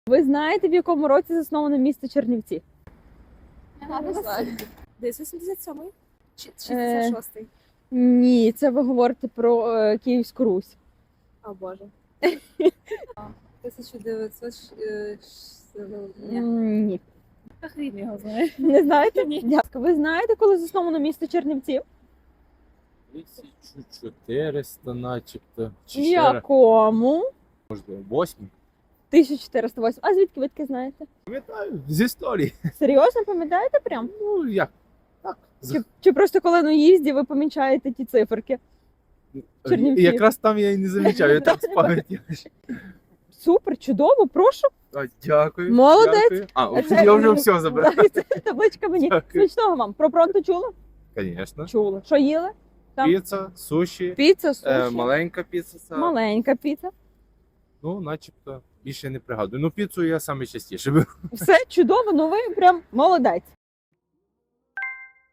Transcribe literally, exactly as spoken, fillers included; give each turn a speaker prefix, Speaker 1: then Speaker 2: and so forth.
Speaker 1: Ви знаєте, в якому році засновано місто Чернівці?
Speaker 2: Не знаю. Десь вісімдесят сьомий? Чи
Speaker 1: Е.
Speaker 2: шістдесят шостий?
Speaker 1: Ні, це ви говорите про е, Київську Русь.
Speaker 2: О, Боже. тисяча дев'ятсот... Ні.
Speaker 1: М, Ні.
Speaker 2: Хрін його знає.
Speaker 1: Не знаєте?
Speaker 2: Ні.
Speaker 1: Дякую. Ви знаєте, коли засновано місто Чернівці?
Speaker 3: тисяча чотириста начебто. Чи
Speaker 1: В
Speaker 3: ще раз,
Speaker 1: якому?
Speaker 3: можливо, восьмий.
Speaker 1: тисяча чотириста восьмий. А звідки ви таке знаєте?
Speaker 3: Пам'ятаю, з історії.
Speaker 1: Серйозно пам'ятаєте прям?
Speaker 3: Ну, як? Так. з-
Speaker 1: Чи, чи просто коли на їзді ви помічаєте ті циферки? Чернівці.
Speaker 3: Якраз там я і не замічав, я так з пам'яті.
Speaker 1: Супер, чудово, прошу.
Speaker 3: А, Дякую.
Speaker 1: Молодець.
Speaker 3: Дякую. А, ось я вже все забрав.
Speaker 1: Дайте табличка мені.
Speaker 3: Дякую.
Speaker 1: Смачного вам. Про пронто чули?
Speaker 3: Звісно.
Speaker 1: Чули. Що їли? Там
Speaker 3: Піца, суші,
Speaker 1: піца, суші.
Speaker 3: е, маленька піца. це-
Speaker 1: Маленька піца.
Speaker 3: Ну, начебто, більше не пригадую. Ну, піцу я саме частіше беру.
Speaker 1: Все чудово, ну ви прям молодець.